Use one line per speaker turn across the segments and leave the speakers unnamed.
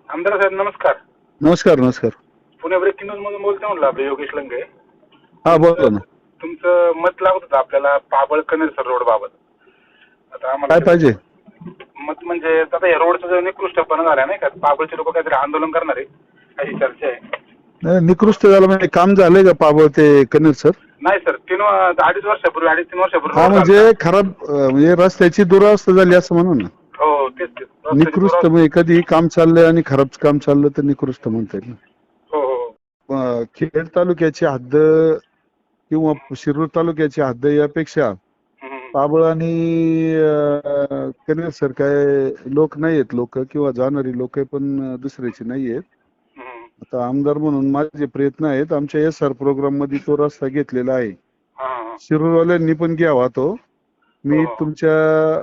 आमदार साहेब नमस्कार.
नमस्कार नमस्कार.
पुणे ब्रेकिंग न्यूज मधून बोलतो म्हणलं आपले योगेश लंगे.
हा बोला ना.
तुमचं मत लागत होतं आपल्याला पाबळ कनेरसर रोड बाबत. आता आम्हाला
काय पाहिजे?
मत म्हणजे आता या रोडचा जो निकृष्टपणा झाला नाही का, पाबळचे लोक काहीतरी आंदोलन करणार आहे अशी चर्चा आहे.
नाही, निकृष्ट झालं म्हणजे काम झालंय का पाबळ ते कनेर सर?
नाही सर, 2-2.5 वर्षापूर्वी 2.5-3 वर्षापूर्वी
हा
रोड
म्हणजे
झाला.
खराब म्हणजे रस्त्याची दुरावस्था झाली असं म्हणून ना.
हो तेच रस्त्याची
निकृष्ट म्हणजे कधी काम चाललंय आणि खराब काम चाललं तर निकृष्ट म्हणता येईल.
हो हो.
खेड तालुक्याची हद्द किंवा शिरूर तालुक्याची हद्द यापेक्षा पाबळ आणि कनेर सर काय लोक नाहीयेत, लोक किंवा जाणारी लोक पण दुसऱ्याची नाहीयेत. आता आमदार म्हणून माझे प्रयत्न आहेत. आमच्या SR प्रोग्राम मध्ये तो रस्ता घेतलेला आहे. शिरूरवाल्यांनी पण घ्यावा तो. मी तुमच्या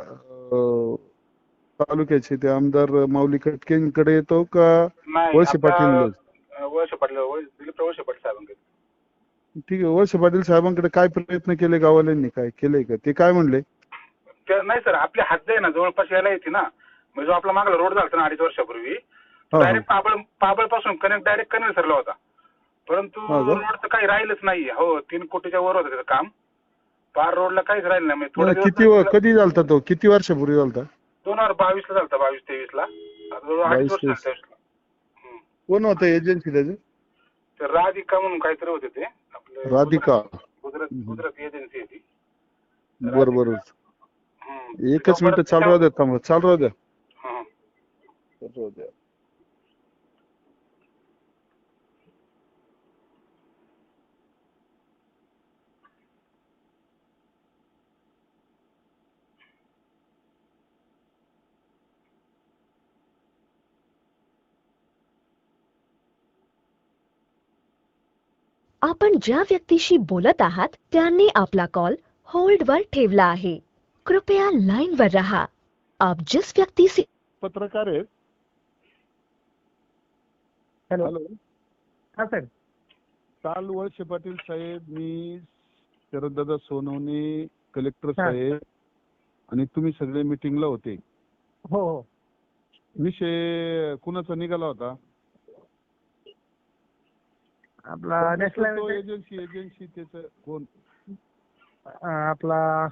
तालुक्याचे ते आमदार माऊली कटकेंकडे येतो का वळसे पाटील?
वळसे पाटील दिलीप वळसे पाटील साहेबांकडे.
ठीक आहे. वळसे पाटील साहेबांकडे काय प्रयत्न केले गावाल्यांनी, काय केलंय का? ते काय म्हणले?
नाही सर, आपली हद्द आहे ना जवळपास यायला येते ना. म्हणजे जो आपला मागला रोड झाला ना 2.5 वर्षापूर्वी, डायरेक्ट पाबळ पासून कनेक्ट डायरेक्ट कनेरसरला होता. परंतु रोडचं काही राहिलंच नाही. हो 3 कोटीच्या वर होतं त्याचं काम. पार रोडला काहीच राहिलं नाही.
किती कधी झालता तो? किती वर्षापूर्वी झालता?
2022 ला झालता. 22-23 ला. 2.5 वर्ष झालं.
कोण होतं एजन्सी त्याचं?
तर राधिका म्हणून काहीतरी होते ते आपलं.
राधिका
गुजरात एजन्सी आहे ती.
बरोबर. एकच मिनिट चालू राहू द्या. थांबा, चालू राहू द्या.
आपण ज्या व्यक्तीशी बोलत आहात त्यांनी आपला कॉल होल्ड वर ठेवला आहे. कृपया लाइन वर रहा. आप जिस व्यक्ति से
पत्रकार आहेत.
हॅलो.
हॅलो.
हा सर.
काल वळसे पाटील साहेब, मी शरददादा सोनवणे, कलेक्टर साहेब आणि तुम्ही सगळे मीटिंगला होते.
हो हो.
विषय कुणाचा निघाला होता?
आपला नॅशनल
एजन्सी त्याचं कोण?
आपला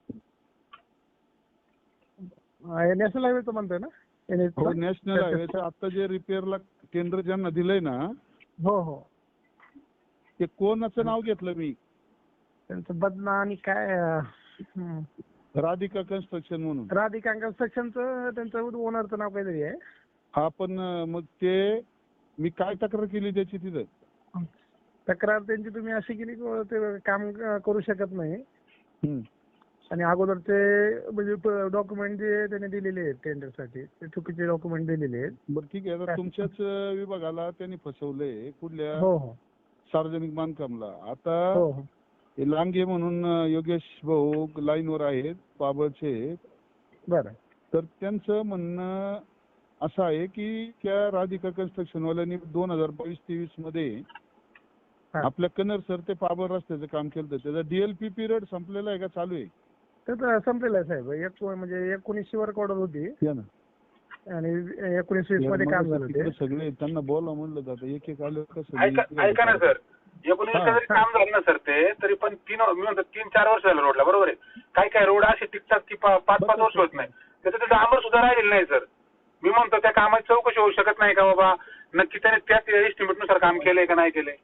नॅशनल हायवेचं म्हणतोय ना?
नॅशनल हायवेचं आता जे रिपेअरला केंद्र ज्यांना दिलंय ना,
हो हो,
ते कोणाचं नाव घेतलं मी?
त्यांचं बदना आणि काय
राधिका कन्स्ट्रक्शन म्हणून.
राधिका कन्स्ट्रक्शनचं त्यांचं ओनरचं नाव काहीतरी आहे.
हा पण मग ते मी काय तक्रार केली त्याची तिथं?
तक्रार त्यांची तुम्ही अशी केली की ते काम करू शकत नाही आणि अगोदरचे म्हणजे डॉक्युमेंट जे त्यांनी दिलेले आहेत टेंडरसाठी ते चुकीचे डॉक्युमेंट दिलेले आहेत.
बरं ठीक आहे. आता तुमच्याच विभागाला त्यांनी फसवलंय कुठल्या?
हो हो,
सार्वजनिक बांधकामला. आता लांगे म्हणून योगेश भाऊ लाईनवर आहेत पाबळचे.
बरं.
तर त्यांचं म्हणणं असं आहे की त्या राधिका कन्स्ट्रक्शन वाल्यांनी 2022-23 मध्ये आपल्या कन्नर सर ते पाबळ रस्त्याचं काम केलं. त्याचा DLP पिरियड संपलेला आहे का चालू आहे?
तर संपलेलं आहे साहेब. म्हणजे 1900 वर ऑर्डर होती आणि 1920 मध्ये काम झालं ते.
सगळे त्यांना बोला म्हणलं जातं, एक एक आलं कसं.
ऐका ना सर, 19 जरी काम झालं ना सर ते, तरी पण 3-4 वर्ष झालं रोडला. बरोबर आहे. काय रोड असे टिकतात की 5-5 वर्ष होत नाही. त्याचं डांबर सुद्धा राहिलेलं नाही सर. मी म्हणतो त्या कामाची चौकशी होऊ शकत नाही का बाबा, नक्की त्याने त्याच एस्टिमेट नुसार काम केलंय का नाही केलंय?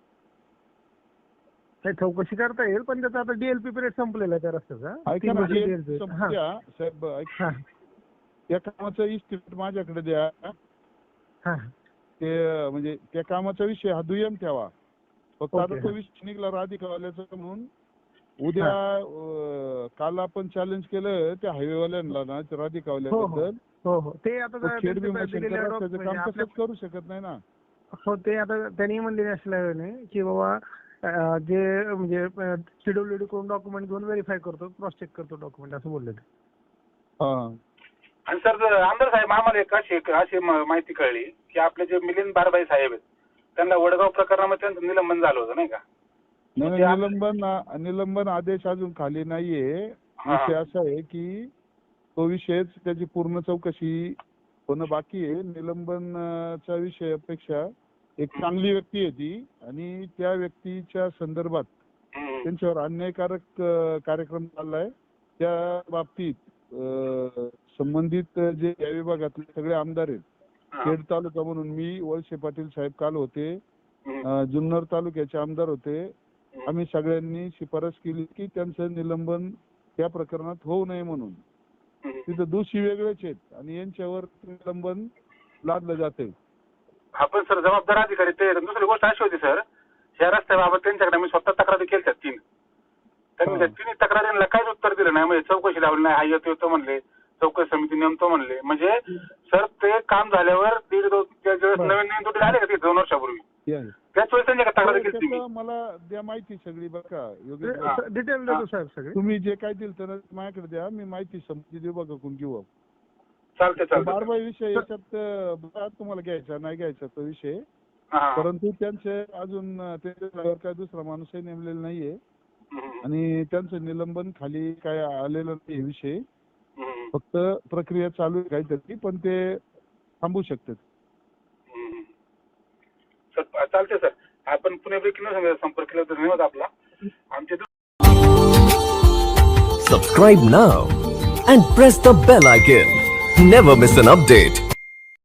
चौकशी करता येईल, पण त्याचा आता DLP पिरियड संपलेला आहे त्या रस्त्याचा.
साहेब त्या कामाचं इस्टिमेट माझ्याकडे द्या. ते म्हणजे त्या कामाचा विषय हा दुय्यम ठेवा. फक्त आता तो विषय निघाला राधिकावाल्याचा म्हणून उद्या काल आपण चॅलेंज केलं त्या हायवेवाल्यांना ना, राधिकावाल्याबद्दल.
हो, ते आता
काम तसंच करू शकत नाही ना.
हो, ते आता त्यांनी म्हणले नॅशनल हायवेने की बाबा जे म्हणजे CWD कडून डॉक्युमेंट घेऊन व्हेरीफाय करतो, क्रॉस चेक करतो डॉक्युमेंट, असं बोलले ते.
आणि सर आमदार साहेब, आम्हाला एक अशी माहिती कळली की आपले जे मिलिंद बारबाई साहेब आहेत त्यांना वडगाव प्रकरणामध्ये त्यांचं निलंबन झालं होतं नाही का?
निलंबन आदेश अजून खाली नाहीये. विषय असा आहे की तो विषयच त्याची पूर्ण चौकशी होणं बाकी आहे. निलंबनच्या विषयापेक्षा एक चांगली व्यक्ती आहे ती, आणि त्या व्यक्तीच्या संदर्भात त्यांच्यावर अन्यायकारक कार्यक्रम चाललाय. त्या बाबतीत संबंधित जे या विभागातले सगळे आमदार आहेत, खेड तालुका म्हणून मी, वळसे पाटील साहेब काल होते, जुन्नर तालुक्याचे आमदार होते, आम्ही सगळ्यांनी शिफारस केली की त्यांचं निलंबन त्या प्रकरणात होऊ नये म्हणून. तिथं दोषी वेगळेच आहेत आणि यांच्यावर निलंबन लादलं जाते.
आपण सर जबाबदार अधिकारी ते. दुसरी गोष्ट अशी होती सर, या रस्त्याबाबत त्यांच्याकडे मी स्वतः तक्रारी केल्या 3. त्यांनी त्या 3 तक्रारींना काहीच उत्तर दिलं नाही. म्हणजे चौकशी लावली नाही, हा येतो म्हणले, चौकशी समिती नेमतो म्हणले. म्हणजे सर ते काम झाल्यावर नवीन तुटे आले का ते 2 वर्षापूर्वी, त्याच वेळेस त्यांच्या तक्रारी केली.
मला द्या माहिती सगळी बघा,
डिटेल देतो साहेब सगळे.
तुम्ही जे काय दिलं तर माझ्याकडे द्या, मी माहिती संबंधित विभागाकडून घेऊ.
चालते.
बारबाई विषय याच्यात बघा, तुम्हाला घ्यायचा नाही घ्यायचा तो विषय, परंतु त्यांचे अजून त्याच्यावर काय दुसरा माणूसही नेमलेला नाहीये आणि त्यांचं निलंबन खाली काय आलेलं नाही विषय. फक्त प्रक्रिया चालू आहे काहीतरी, पण ते थांबू शकतात.
चालते सर. आपण पुणे ब्रेकिंग संपर्क केला तर धन्यवाद आपला. आमचे
Subscribe now and press the bell icon. Never miss an update.